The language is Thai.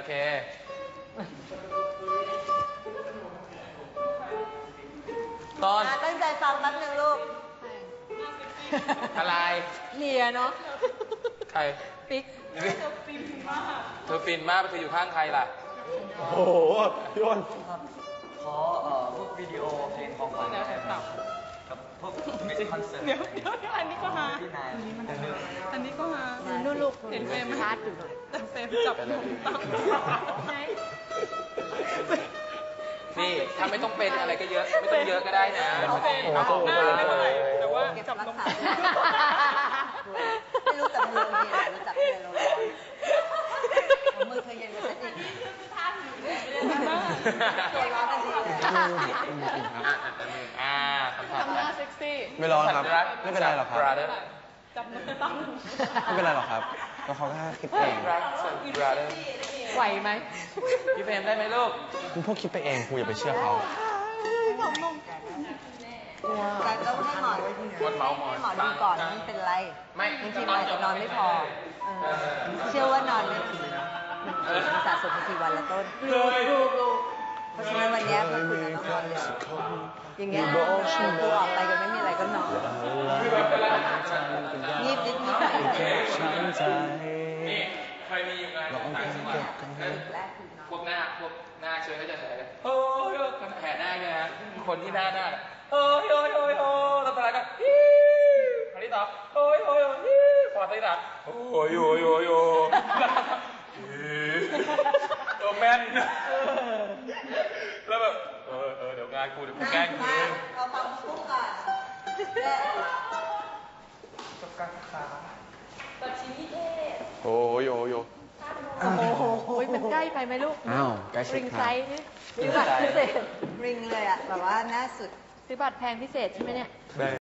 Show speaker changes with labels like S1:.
S1: เคตอน
S2: ตั้งใจฟังแป๊บนึงลูก
S1: อะไร
S2: เลียเนาะ
S1: ใคร
S2: ปิ๊ก
S1: เธอฟินมากเธออยู่ข้างใครล่ะ
S3: โอ้โหพี่อ้น
S4: ขอพวกวิดีโอเพลงของขวัญนะครับพวกมิสคอนเสิร์ต
S5: เดี๋ยวอันนี้ก็หาอันนี้ก็หา
S2: นู่นลูก
S5: เห็นเฟรมชาร์จอยู่แต่เฟรมจับนมตั้ง
S1: นี่ถ้าไม่ต้องเป็นอะไรก็เยอะไม่ต้องเยอะก็ได้นะ
S5: เฟรมหน้าไม่เท่าไหร่แต่ว่าจับนม
S2: ไม่รู้จับมือเย็นรู้จับเย็นเราร้อนมือเธอเย็นกว่าฉันอีกตัวร้อนกันดีเลย
S5: ทำหน้าเซ็กซี่
S3: ไม่ร้อนครับไม่เป็นไรหรอกครับ
S5: จับนมตั้ง
S3: ไม่เป็นไรหรอกครับก็เขาแค่คิดเอง
S2: ไหวไหม
S1: พี่เฟรมได้ไหมลูก
S3: คุณพวกคิดไปเองคุณอย่าไปเชื่อเขา
S2: แต่ต้องให้หมอดูก่อนมันเป็นไรบางทีมันอาจจะนอนไม่พอเชื่อว่านอนไม่ถึงมันสะสมกี่วันละต้นเพราะฉะนั้นวันนี้พวกคุณต้องนอนเร็วอย่างเงี้ยกูออกไปกันไม่มีอะไรก็นอนงีบนิดนิดหน่อย
S1: นี่เคยมีอยู่ไงต่างจังหวัดพวกหน้าเชื้อก็จะแห่โอ้ยแห่หน้าเนี่ยนะคนที่หน้าโอ้ยแล้วตอนแรกก็คราวนี้ต่อโอ้ยพอตีต่อโอ้ยตัวแม่นแล้วแบบเดี๋ยวงานกูแกล้งกู
S2: เราฟังคู่ก่อน
S1: จบการศึกษา
S5: แบบชิ้นนิเทศ
S1: โอ้ย
S2: โอ้ยมันใกล้ไปไหมลูก
S3: อ้าวใกล้สุด
S2: ริงไซส์นี่ซื้อบัตรพิเศษริงเลยอ่ะแบบว่าหน้าสุดซื้อบัตรแพงพิเศษใช่ไหมเนี่ย